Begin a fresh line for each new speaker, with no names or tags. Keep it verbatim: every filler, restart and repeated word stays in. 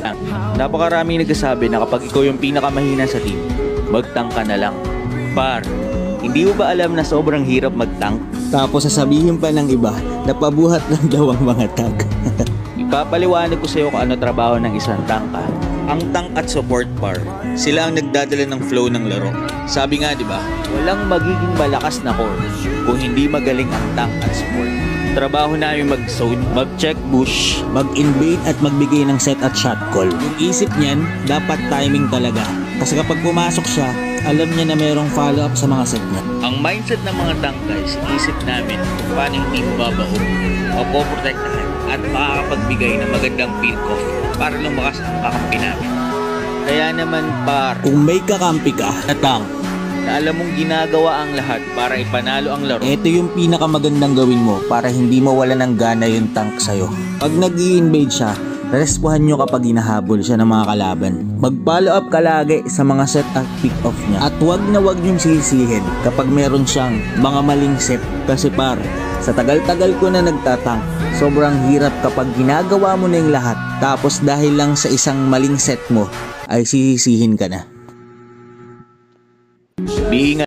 Napakaraming nagsasabi na kapag ikaw yung pinakamahina sa team, mag-tank ka na lang. Par, hindi mo ba alam na sobrang hirap mag-tank?
Tapos sasabihin pa ng iba na pabuhat lang daw ang mga tank.
Ipapaliwanag ko sa iyo kung ano trabaho ng isang tank ha. Ang tank at support par, sila ang nagdadala ng flow ng laro. Sabi nga di ba, walang magiging malakas na core kung hindi magaling ang tank at support. Trabaho namin mag-zone, mag-check bush,
Mag-invade at magbigay ng set at shot call. Yung isip niyan, dapat timing talaga. Kasi kapag pumasok siya, alam niya na mayroong follow-up sa mga set niya.
Ang mindset ng mga tank guys, isip namin kung paano hindi mo babaho, mapoprotektahan at makakapagbigay ng magandang pick-off para lumakas ang kakampi namin. Kaya naman par,
Kung may kakampi ka na tank,
na alam mong ginagawa ang lahat para ipanalo ang laro,
ito yung pinakamagandang gawin mo para hindi mawala ng gana yung tank sa'yo. Pag nag-i-invade siya, respuhan nyo kapag hinahabol siya ng mga kalaban. Mag-follow up ka lagi sa mga set at pick off niya. At wag na wag nyong sisihin kapag meron siyang mga maling set. Kasi par, sa tagal-tagal ko na nagtatank, sobrang hirap kapag ginagawa mo na yung lahat. Tapos dahil lang sa isang maling set mo, ay sisisihin ka na.
di